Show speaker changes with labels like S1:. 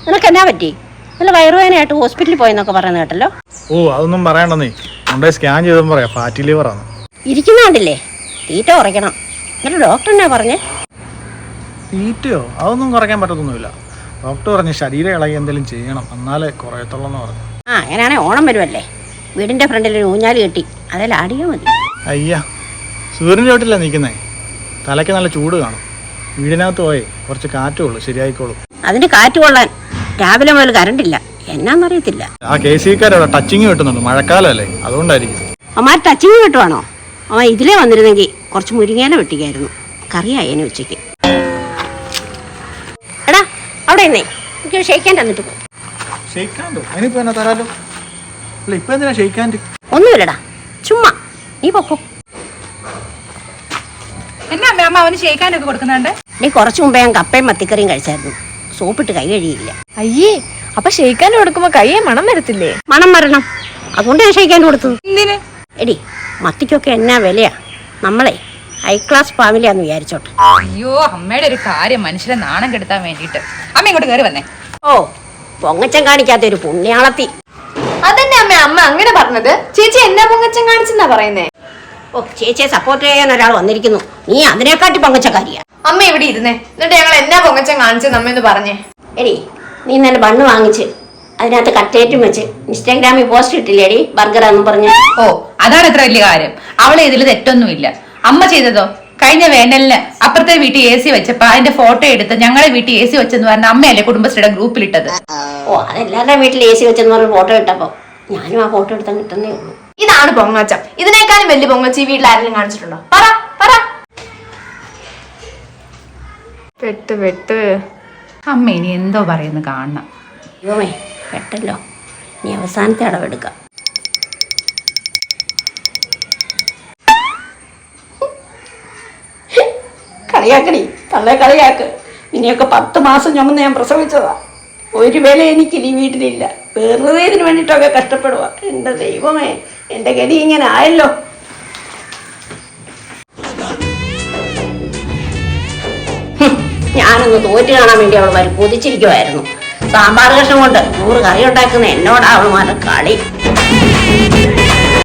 S1: നിനക്ക് എന്നാ പറ്റി? നല്ല വയറുവേദനയായിട്ട് ഹോസ്പിറ്റലിൽ പോയെന്നൊക്കെ പറയുന്നത് കേട്ടല്ലോ.
S2: ഓ അതൊന്നും പറയണ്ടെന്നേ, കൊണ്ടുപോയി സ്കാൻ ചെയ്തെന്ന് പറയാം, ഫാറ്റി ലിവർ ആണ്.
S1: ഇരിക്കുന്നുണ്ടില്ലേ, തീറ്റ കുറയ്ക്കണം. എന്നിട്ട് ഡോക്ടർ എന്നാ പറഞ്ഞേ?
S2: തീറ്റയോ? അതൊന്നും കുറയ്ക്കാൻ പറ്റത്തൊന്നുമില്ല. ഡോക്ടർ പറഞ്ഞു ശരീരം ഇളകി എന്തെങ്കിലും ചെയ്യണം, എന്നാലേ കുറയത്തുള്ളൂ എന്ന് പറഞ്ഞു.
S1: അങ്ങനെയാണെ ഓണം വരുമല്ലേ, വീടിന്റെ ഫ്രണ്ടിൽ ഒരു ഊഞ്ഞാല് കെട്ടി അതിൽ ആടിയാൽ മതി.
S2: അയ്യാ, സൂര്യൻ്റെ ചോട്ടില്ല നിൽക്കുന്നേ, തലയ്ക്ക് നല്ല ചൂട് കാണും. വീടിനകത്ത് പോയേ കുറച്ച് കാറ്റുള്ളൂ, ശരിയായിക്കോളും.
S1: അതിന് കാറ്റ് കൊള്ളാൻ രാവിലെ മുതൽ കറണ്ടില്ല, എന്നാന്നറിയത്തില്ല.
S2: ആ KCBക്കാരവിടെ ടച്ചിങ് കിട്ടുന്നുണ്ട്, മഴക്കാലമല്ലേ, അതുകൊണ്ടായിരിക്കും.
S1: അമ്മ ടച്ചിങ് കിട്ടുവാണോ? അമ്മ ഇതിലേ വന്നിരുന്നെങ്കിൽ കുറച്ച് മുരിങ്ങേല വെട്ടിക്കായിരുന്നു, കറിയായേനെ ഉച്ചയ്ക്ക്. എടാ അവിടെ എന്നേ എനിക്ക് ഷെയ്ക്കാൻ തന്നിട്ട് പോ.
S2: അതിനിപ്പോ എന്നാ തരാലോ? അല്ല ഇപ്പൊ എന്തിനാ ഷെയ്ക്കാൻഡ്?
S1: ഒന്നുമില്ലടാ, ചുമ്മാ നീ പൊക്കോ.
S3: എന്നാ അമ്മ അവന് ഷെയ്ക്കാനൊക്കെ കൊടുക്കുന്നുണ്ട്?
S1: നീ കുറച്ചു മുമ്പേ ഞാൻ കപ്പയും മത്തിക്കറിയും കഴിച്ചായിരുന്നു, സോപ്പിട്ട് കൈ കഴിയില്ല.
S3: അയ്യേ, അപ്പൊ ഷെയ്ക്കാൻ കൊടുക്കുമ്പോ കയ്യെ മണം വരത്തില്ലേ?
S1: മണം വരണം, അതുകൊണ്ട് ഞാൻ ഷെയ്ക്കാൻ കൊടുത്തത്.
S3: എന്തിന്?
S1: എടി മത്തിക്കൊക്കെ എന്നാ വിലയാ, നമ്മളെ ഹൈ ക്ലാസ് ഫാമിലിയാന്ന് വിചാരിച്ചോട്ടെ.
S3: അയ്യോ, അമ്മയുടെ ഒരു കാര്യം മനുഷ്യരെ നാണം കെടുത്താൻ വേണ്ടിട്ട്. അമ്മ ഇങ്ങോട്ട് കയറി വന്നേ.
S1: ഓ, പൊങ്ങച്ചം കാണിക്കാത്ത ഒരു പുണ്യാളത്തി.
S4: അതന്നെ അമ്മ അങ്ങനെ പറഞ്ഞത്. ചേച്ചി എന്നാ പൊങ്ങച്ചം കാണിച്ചെന്നാ പറയുന്നേ?
S1: ഓ, ചേച്ചിയെ സപ്പോർട്ട് ചെയ്യാൻ ഒരാൾ വന്നിരിക്കുന്നു, നീ അതിനെക്കാട്ടി പൊങ്ങച്ചക്കാരിയാ.
S4: അമ്മ ഇവിടെ ഇരുന്നേ, എന്നിട്ട് ഞങ്ങൾ എന്നാ പൊങ്ങച്ചം കാണിച്ചത് അമ്മ എന്ന് പറഞ്ഞേ.
S1: എടി നീ ഇന്നലെ ബണ്ണ് വാങ്ങിച്ച് അതിനകത്ത് കട്ടേറ്റും വെച്ച് ഇൻസ്റ്റാഗ്രാമിൽ പോസ്റ്റ് ഇട്ടില്ലേടി, ബർഗറാന്നും പറഞ്ഞു.
S3: ഓ, അതാണ് ഇത്ര വലിയ കാര്യം. അവളെ ഇതിൽ തെറ്റൊന്നുമില്ല. അമ്മ ചെയ്തതോ? കഴിഞ്ഞ വേനലിന് അപ്പുറത്തെ വീട്ടിൽ AC വെച്ചപ്പോ അതിന്റെ ഫോട്ടോ എടുത്ത് ഞങ്ങളെ വീട്ടിൽ AC വെച്ചെന്ന് പറഞ്ഞ അമ്മയല്ലേ കുടുംബശ്രീയുടെ ഗ്രൂപ്പിലിട്ടത്.
S1: ഓ, അതെല്ലാവരുടെ വീട്ടിൽ AC വെച്ചെന്ന് പറഞ്ഞ ഫോട്ടോ ഇട്ടപ്പോ ഞാനും ആ ഫോട്ടോ എടുത്താൽ കിട്ടുന്നേ ഉള്ളൂ.
S4: ഇതാണ് പൊങ്ങച്ചം. ഇതിനേക്കാളും വലിയ പൊങ്ങച്ചം ഈ വീട്ടിൽ ആരെങ്കിലും കാണിച്ചിട്ടുണ്ടോ? പറ പറ. പെട്ട്
S3: അമ്മ ഇനി എന്തോ പറയുന്നു കാണണം.
S1: അയ്യോമേ പെട്ടല്ലോ, നീ അവസാനത്തെ അടവെടുക്കാം. കളിയാക്കടി, തള്ളെ കളിയാക്ക്. ഇനിയൊക്കെ 10 മാസം ചുമന്ന് ഞാൻ പ്രസവിച്ചതാ. ഒരു വില എനിക്കിനി വീട്ടിലില്ല, വെറുതെ ഇതിന് വേണ്ടിയിട്ടൊക്കെ കഷ്ടപ്പെടുക. എൻ്റെ ദൈവമേ, എൻ്റെ ഗതി ഇങ്ങനെ ആയല്ലോ. ഞാനൊന്ന് തോറ്റ് കാണാൻ വേണ്ടി അവൾ കൊതിച്ചിരിക്കുമായിരുന്നു. സാമ്പാർ കഷ്ണം കൊണ്ട് 100 കറി ഉണ്ടാക്കുന്ന എന്നോടാ അവൾ മാറ്റ കളി.